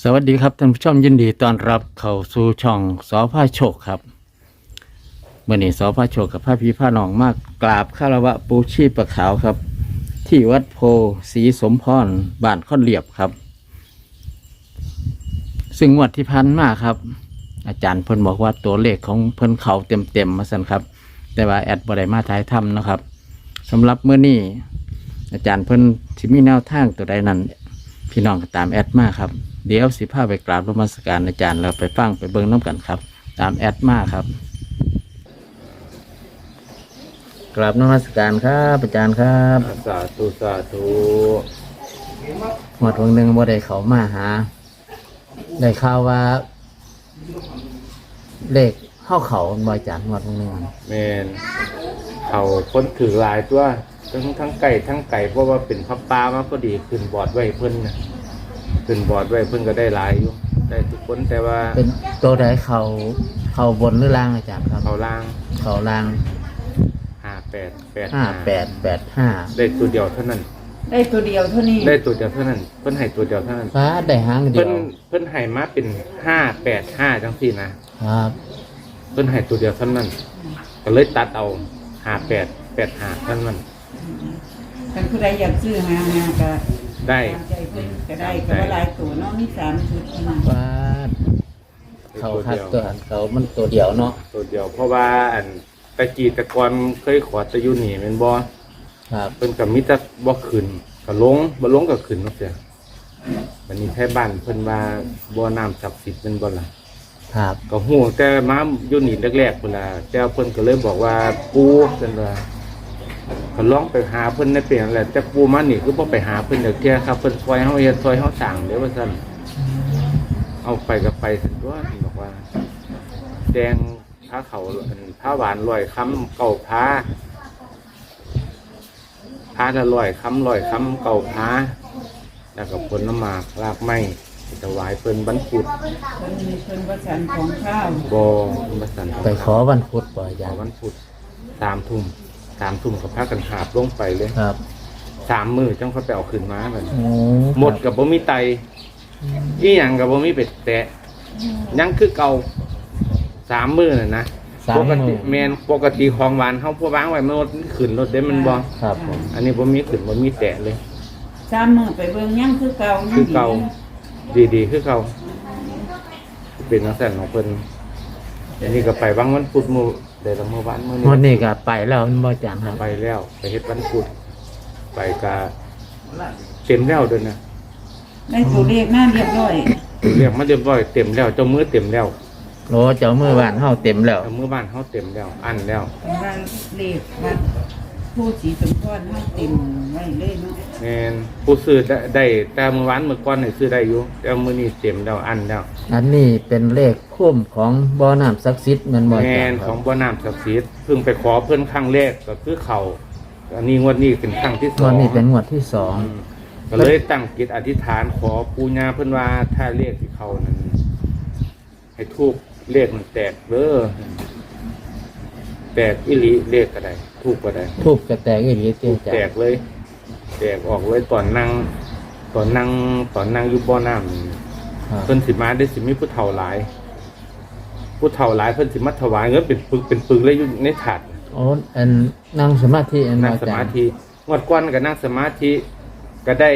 วัสดีครับท่านผู้ชมยินดีต้อนรับเข้าสู่ช่องสพาโชคครับเมื่อนี้สพาโชคกับพระพี่พระน้องมากกราบคารวะปูชีพขาวครับ ที่วัดโพศรีสมพรบ้านค่อนเรียบครับ ซึ่งงวดที่พันมาครับ อาจารย์เพิ่นบอกว่าตัวเลขของเพิ่นเขาเต็มมาสั่นครับ แต่ว่าแอดบ่ได้มาถ่ายทำนะครับสำหรับเมื่อนี้อาจารย์เพิ่นสิมีแนวทางตัวใดนั้นพี่น้องก็ตามแอดมาครับเดี๋ยวสิพาไปกราบนมัสการอาจารย์แล้วไปฟังไปเบิ่งน้ำกันครับ ตามแอดมาครับกราบนมัสการครับอาจารย์ครับสาธุสาธุหมดวันหนึ่งบ่ได้เขามาหาได้ข่าวว่าเลขเข้าเขาบ่อาจารย์หมดวันหนึ่งแมนเขาคนถือหลายตัวทั้งไก่ทั้งไก่เพราะว่าเป็นพับปลามาพอดีขึ้นบอร์ดไว้เพิ่นนะขึ้นบอร์ดไว้เพิ่นก็ได้หลายอยู่ได้ทุกคนแต่ว่าเป็นตัวใดเขาบนหรือล่างอาจารย์ครับเขาล่างเขาล่าง 5885ได้ตัวเดียวเท่านั้นได้ตัวเดียวเท่านี้ได้ตัวเดียวเท่านั้นเพิ่นให้ตัวเดียวเท่านั้นฟ้าได้หางเดีเพิ่ยนวเพิ่นให้มาเป็น585จังซี่นะครับเพิ่นให้ตัวเดียวเท่านั้นก็เลยตัดเอา5885เท่านั้นกันผู้ใดอยากซื้อมาก็ได้ตามใจเพิ่นก็ได้ก็ว่าหลายตัวเนาะมี3ชุดที่นั่นฟ้าเขาคัดตัวอันเขามันตัวเดียวเนาะตัวเดียวเพราะว่าอันตะกี้ตะกอนเคยขอตะยุนี่แม่นบ่ครับเพิ่นก็มีแต่บ่ขึ้นก็ลงบ่ลงก็ขึ้นเนาะเสียบัดนี้ไทบ้านเพิ่นว่าบ่น้ำศักดิ์สิทธิ์แม่นบ่ล่ะครับก็ฮู้แต่มาอยู่นี่แรกๆพุ่นล่ะแต่เพิ่นก็เลยบอกว่าปู่เพิ่นว่าก็ลองไปหาเพิ่นในเปลี่ยนแหละแต่ปู่มานี่คือบ่ไปหาเพิ่นเดี๋ยวเที่ยครับเพิ่นซอยเฮาเฮ็ดซอยเฮาสร้างเด้อว่าซั่นเอาไปก็ไปซั่นตัวเพิ่นบอกว่าแดงผ้าเขาอันผ้าหวานลอยค้ำเก่าผ้าละลอยค้ำลอยค้ำเก่าผ้าแล้วก็ผลน้ำหมากรากไม้ถวายเพิ่นบรรพุดเพิ่นว่าฉันของข้าวบ่มาสั่นไปขอวันพุธบ่อาขจาอรย์วันพุธ3 ทุ่มกับพากันหาบลงไปเลยครับ 3 มื้อจังเขาไปเอาขึ้นมาบัดนี้โอ้หมดกับบ่มีไตอีหยังกับบ่มีเป็ดแตะยังคือเก่า3 มื้อน่ะนะสามปกมืติอแมนปกติของหวานเขาพวกวางไว้มันขึ้นรถได้มันบ่ครับผมอันนี้บ่มีขึ้นบ่มีแตะเลย 3มื้อไปเบิ่งยังคือเก่ายังคือเก่าดีๆคือเก่าเป็นนักแสดงของเพิ่นอันนี้ก็ไปบางวันพุธมื้อได้ละมื้อวันมื้อวันนี้นี้ก็ไปแล้วมันบ่อาจารย์ครับไปแล้วไปเฮ็ดวันพุธไปก็เต็มแล้วเด้อนะได้ตัวเลขมาเรียบร้อยเรียกมาเรียบร้อยเต็มแล้วเจ้ามือเต็มแล้วโอ้เจ้ามือบ้านเฮาเต็มแล้วเจ้ามือบ้านเฮาเต็มแล้วอันแล้วเป็นว่าเลขวัดผู้ศรีสมพรเฮาเต็มไว้เลยเนาะแม่นผู้ซื้อได้แต่มื้อวานมื้อก่อนนี่ซื้อได้อยู่แต่มื้อนี้เต็มแล้วอันแล้วอันนี้เป็นเลขคุ้มของบ่อน้ำศักดิ์สิทธิ์แมันบ่อาแม่จารนย์คขรัอบ งบ่อน้ำศักดิ์สิทธิ์เพิ่งไปขอเพิ่นครั้งแรกก็คือเขาอันนี้งวดนี้เป็นครั้งที่วันนี้เป็น 2 งวดที่สองก็เลยตั้งจิตอธิษฐานขอปู่ย่าเพิ่นว่าถ้าเลขที่เขานั้นให้ทูบเลขมันแตกเด้อแตกอีหลีเลขก็ได้ทูบก็ได้ทูบกระแตกอีหลีเจ้าอาจารแตกย์เลยแตกออกเลยตอนนั่งอยู่บ่อน้ำนี่ครับเพิ่นสิมาได้สิมีผู้เฒ่าหลาย ผู้เฒ่าหลายเพิ่นสิมาถวายเงินเป็นปึกเลยอยู่ในถาดโอ้อันนั่งสมาธิอันบ่นั่งอาสจารมาย์ธิงวดก้อนก็นั่งสมาธิก็ได้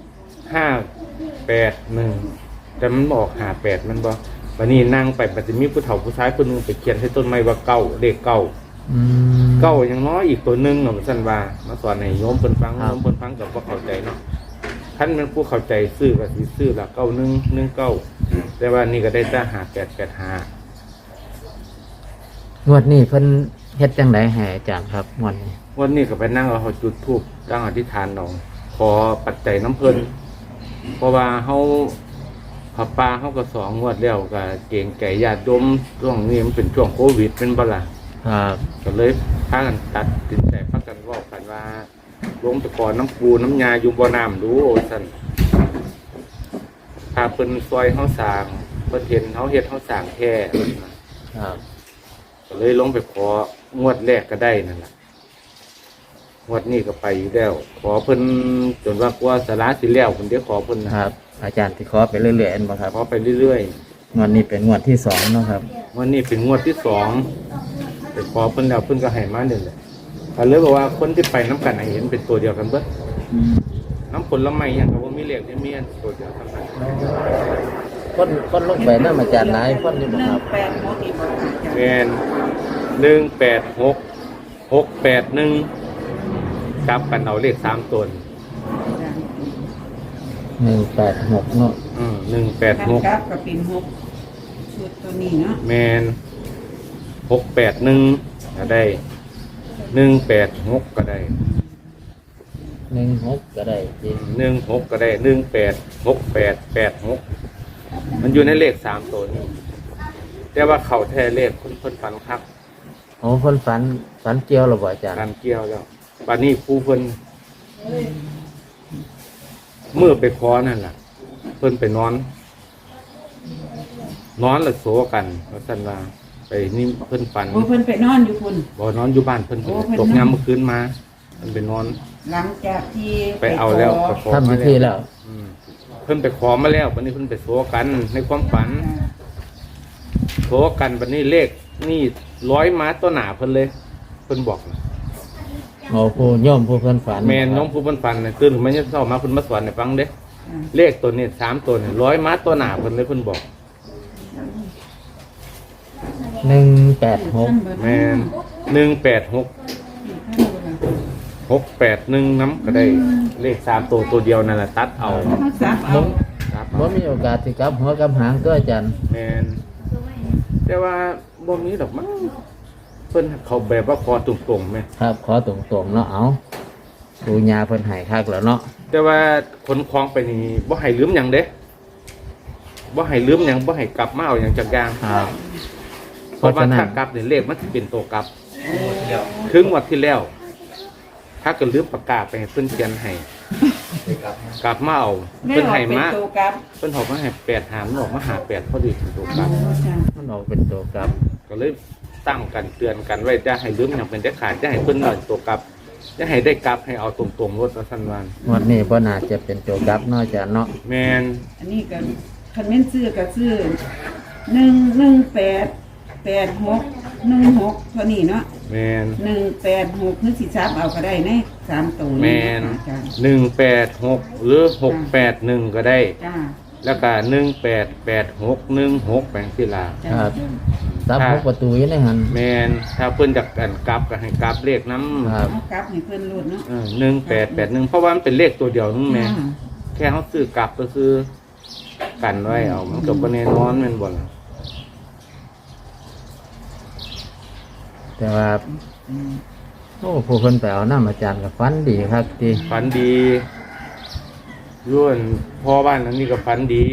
581แต่มันบอก58มันบ่วันนี้นั่งไปมันจะมีผู้เฒ่าผู้ชายคนหนึงไปเขียนให้ต้นไม้ว่าเก้าเลขเก้าอืมเก้ายังน้อยอีกตัวหนึงเนาะซั่นว่ามาสอนให้โยมเพิ่นฟังครับโยมเพิ่นฟังก็บ่เข้าใจเนาะท่านเป็นผู้เข้าใจซื้อก็สิซื้อละ9119แต่ว่านี่ก็ได้แต่5885 งวดนี้เพิ่นเฮ็ดจังไดให้อาจารย์ครับงวดนี้วันนี้ก็ไปนั่งเอาจุดธูปตั้งอธิษฐานเอาขอปัจจัยน้ำเพิ่นเพราะว่าเฮาผับปลาเฮาก็2 งวดแล้วก็เก่งไก่ญาติโยมช่วงนี้มันเป็นช่วงโควิดเป็นบ่ล่ะครับก็เลยพากันตัดสินใจพากันเว้ากันว่าลงตะกอนน้ำปูน้ำยาอยู่บ่อน้ำดูโอ้ซั่นถ้าเพิ่นซอยเฮาสร้างเพิ่นเห็นเฮาเฮ็ดเฮาสร้างแท้ครับก็เลยลงไปของวดแรกก็ได้นั่นแหละงวดนี้ก็ไปอยู่แล้ว ขอเพิ่นจนว่ากลัวสาระสิแล้วเพิ่นเดี๋ยวขอเพิ่นนะครับอาจารย์ที่ขอไปเรื่อยๆอันบ่ครับขอไปเรื่อยงวดนี้เป็นงวดที่สองเนาะครับๆวันนี้เป็นงวดที่สองไปขอเพิ่นแล้วเพิ่นก็ให้มาเนี่ยแหละก็เลยบอกว่าคนที่ไปน้ำกันให้เห็นเป็นตัวเดียวกันเบิดน้ำผลไม้อย่างกับว่ามีเลขที่มีอันตัวเดียวกันนั้นคนลงไปนำอาจารย์หลายคนอยู่บ่ครับ 186อีกบ่อาจารย์แมน186 681กลับกันเอาเลข3ตัว 186เนาะคันกลับ 186 ก็เป็น6ชุดตัวนี้เนาะแมน681ก็ได้186ก็ได้ 16ก็ได้จริง 16ก็ได้186886มันอยู่ในเลข3ตัวนี้แต่ว่าเขาแท้เลขคนฝันครับโอ้เพิ่นฝันเกี่ยวหรือบ่อาจารย์การเกี่ยวแล้วบัดนี้ผู้เพิ่นเมื่อไปขอนั่นล่ะ เพิ่นไปนอนแล้วโสกันว่าซั่นว่าไปนี่เพิ่นฝันโอ้เพิ่นไปนอนอยู่พุ่นบ่นอนอยู่บ้านเพิ่นโอ้เพิ่นตกยามเมื่อคืนมาเพิ่นไปนอนหลังจากที่ไปเอาแล้วขไปขอทำมาพิธีแล้วอืมเพิ่นไปขอมาแล้วบัดนี้เพิ่นไปโสกันในความฝันโสกันบัดนี้เลขนี่100ม้าตัวหนาเพิ่นเลยเพิ่นบอกนะโอ้ผู้โยมผู้เพิ่นฝันแม่นน้องผู้เพิ่นฝันน่ะตื่นขึ้นมาเนี่ยเช้ามาเพิ่นมาสอนให้ฟังเด้ เลขตัวนี้3ตัวนี่100ม้าตัวหนาเพิ่นเลยเพิ่นบอก 186 แม่น186 681น้ำก็ได้เลข3ตัวเดียวนั่นแหละตัดเอาเขาซับเอาตัดบ่เอามีโอกาสที่กลับหัวกลับหางตัวอาจารย์แม่นแต่ว่าบ่มีดอกมั้งเพิ่นเขาแบบว่าคอตรงๆแม่ครับขอตรงๆเนาะเอาปูญาเพิ่นให้คักแล้วเนาะแต่ว่าคนคลองไปนี่บ่ให้ลืมหยังเด้บ่ให้ลืมหยังบ่ให้กลับมาเอาหยังจักอย่างครับเพราะว่าถ้ากลับนี่เลขมันสิเป็นตัวกลับครึ่งวันที่แล้ว ถ้าเกิดลืมประกาศไปให้เพิ่นเขียนให้กลับมาเอาไม่เพิ่นออกให้เป็นมาตัวกลับเพิ่นบอกว่าให้8หารมันออกมาหา8พอดีเป็นตัวกลับมันออกเป็นตัวกลับก็เลยตั้งกันเตือนกันไว้จะให้ลืมอย่างเป็นได้ขาดจะให้เพิ่นหน่อยตัวกลับจะให้ได้กลับให้เอาตรงๆรถละสันวันงวดนี้บ่น่าจะเป็นตัวกลับเนาะอาจารย์เนาะแมนอันนี้ก็คันแม่นซื้อก็ซื้อ1188616เท่านี้เนาะแมน 186คือสิซับเอาก็ได้ใน3ตัวแมนี้นอาจารย์ 186หรือ681ก็ได้จ้าแล้วก็188616แปลงที่ลาจ้าครับซับหกประตูอยู่ในหันแมนถ้าเพิ่นจากกันกลับก็ให้กลับเลขน้ำครับเอากลับให้เพิ่นรูดเนาะ 1881เพราะว่ามันเป็นเลขตัวเดียวนึงแม่จ้าแค่เขาซื้อกลับก็คือกันไว้เอามันก็บ่แน่นอนแม่นบ่ล่ะแต่ว่าโอ้ผู้เพิ่นไปเอาน้ำอาจารย์กับฟันดีครับที่ฝันดีย้วนพ่อบ้านหลังนี้ก็ฝันดี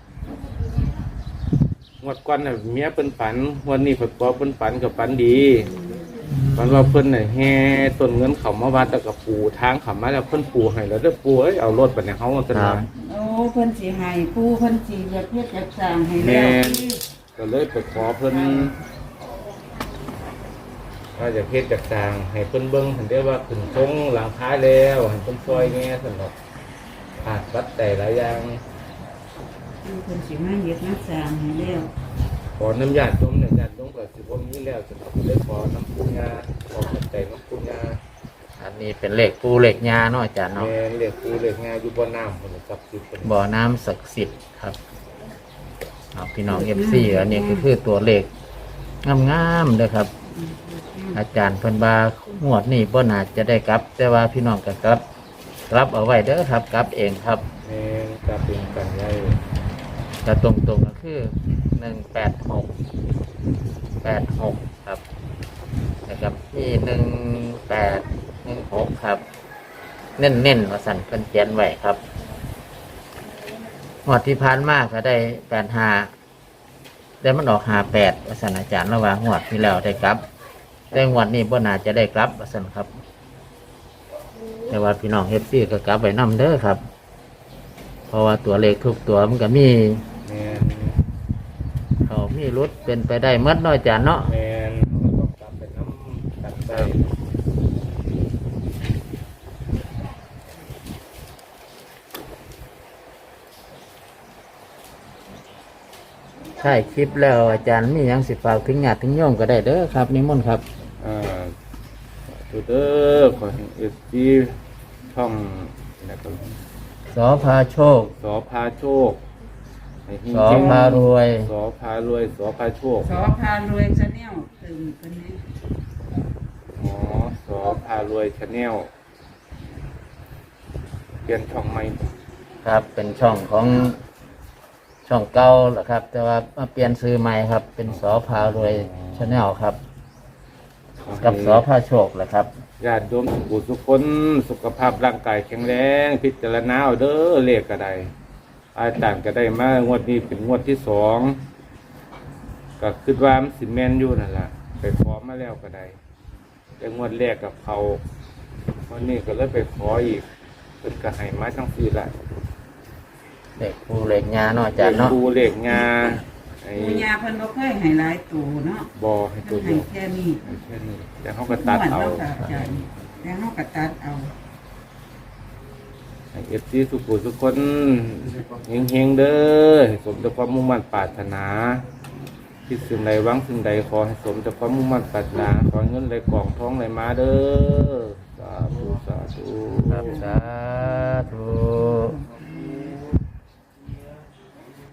งวดก่อนน่ะเมียเพิ่นฝันวันนี้เพิ่นบ่เพิ่นฝันก็ฝันดีฝันว่าเพิ่นน่ะแห่ต้นเงินเข้ามาวัดแล้วก็ปูทางเข้ามาแล้วเพิ่นปูให้แล้วเด้อปูเอ้ยเอารถบัดนี้เฮาซั่นว่าโอ้เพิ่นสิให้ผู้เพิ่นสิเรียกเฮ็ดจัดสร้างให้แม่แล้วน ก็เลยไปขอเพิ่นว่าจะเฮ็ดจักสร้างให้เพิ่นเบิ่งเห็นได้ว่าขึ้นทงหลังคาแล้วให้เพิ่นซอยแหน่ซั่นดอกขาดวัดแต่หลายอย่างเพิ่นสิมาเฮ็ดมาสร้างให้แล้วขอน้ำญาติโยมเนี่ยญาติโยมก็สิบ่มีแล้วสำหรับเลยขอน้ำปุญญาขอปัจจัยน้ำปุญญาอันนี้เป็นเลขปูเลขญาเนาะอาจารย์เนาะแม่นเรียกคือเรียกงานอยู่บ่อน้ำพุ่นน่ะกับสิเป็นบ่อน้ำศักดิ์สิทธิ์ครับเอาพี่น้อง FC อันนี้ก็คือตัวเลขงามๆเด้อครับ อาจารย์เพิ่นว่างวดนี้บ่น่าจะได้กลับ แต่ว่าพี่น้องก็กลับเอาไว้เด้อครับ กลับเองครับแม่นกับเป็นกันไว้จะตรงๆก็คือ186ครับนะครับที่1816ครับ เน้นๆว่าสั่นเพิ่นเขียนไว้ครับงวดที่ผ่านมาก็ได้85แต่มันออก58ว่าสั่นอาจารย์ระหว่างงวดที่แล้วได้กลับ แต่งวดนี้บ่น่าจะได้กลับว่าสั่นครับ แต่ว่าพี่น้องFCก็กลับไว้นำเด้อครับ เพราะว่าตัวเลขทุกตัวมันก็มีแม่นเขามีรถเป็นไปได้หมดเน้อยจานเนาะแม่นเราต้องกลับไปน้ำกันไปถ่ายคลิปแล้วอาจารย์มีหยังสิฝากถึงญาติถึงโยมก็ได้เด้อครับนิมนต์ครับตัวเด้อขอให้FGช่องนะครับสอพาโชคสอพาโชคให้เฮงสอพารวยสอพารวยสอพาโชคสอพารวยชาแนลตึงคนนี้อ๋อสอพารวยชาแนลเปลี่ยนช่องใหม่ครับเป็นช่องของช่องเก่าแหละครับ แต่ว่ามาเปลี่ยนซื้อใหม่ครับ เป็นสอพารวยชาแนลครับ กับสอพาโชคแหละครับญาติโยมทุกคนสุขภาพร่างกายแข็งแรงพิจารณาเอาเด้อเลขก็ได้อาจารย์ก็ได้มางวดนี้เป็นงวดที่2ก็คิดว่ามันสิแม่นอยู่นั่นล่ะไปขอมาแล้วก็ได้แต่งวดแรกกับเขาวันนี้ก็เลยไปขออีกเพิ่นก็ให้มาทั้ง4ละเด็กปูเหล็กงาเนาะอาจารย์เนาะปูเลขงาไอ้ปูยาเพิ่นบ่เคยให้หลายตัวเนาะบอให้ตัวเพิ่นเดีให้ยวแค่นี้ให้แค่นี้แต่เขาก็ตัดเอาม่วนแล้วก็อาจารย์แล้วเฮาก็ตัดเอาให้FGสุขุทุกคนเฮงๆเด้อให้สมแต่ความมุ่งมั่นปรารถนาคิดสิ่งใดหวังสิ่งใดขอให้สมแต่ความมุ่งมั่นปรารถนาขอเงินไหลกล่องท้องไหลมาเด้อสาธุสาธุครับสาธุ